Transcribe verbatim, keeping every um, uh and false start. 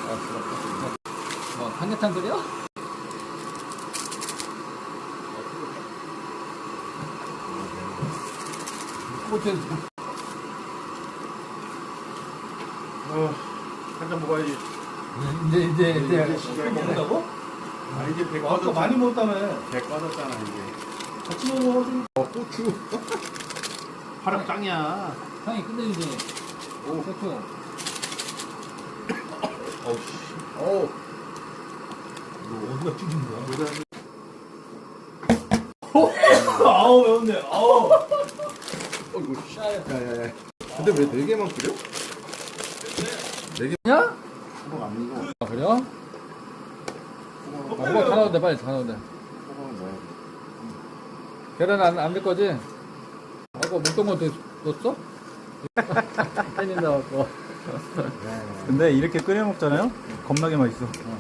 뭐 삼계탕 끓여? 꼬치 어, 한 잔 먹어야지. 이제 이제 이제 시작이야. 먹는다고? 아, 이제 배 아까 꺼졌잖아. 많이 먹었다며. 배 꺼졌잖아, 이제. 같이 먹어. 어, 고추. 화력 짱이야. 향이 끝내주지. 오. 고추. 어우, 씨. 어우. 어디가 튀긴 거야? 뭐다. 아우 매운데. 아우. 어이구, 씨. 야, 야, 야. 근데 왜 네 개만 끓여? 야? 호박 안 익어. 아 그래요? 아, 호박 다 나온대 빨리 다 나온대. 호박은 뭐야? 계란 안 안 넣을 거지? 아까 먹던 거 넣었어? 팬이 나왔고. 근데 이렇게 끓여 먹잖아요? 겁나게 맛있어. 어.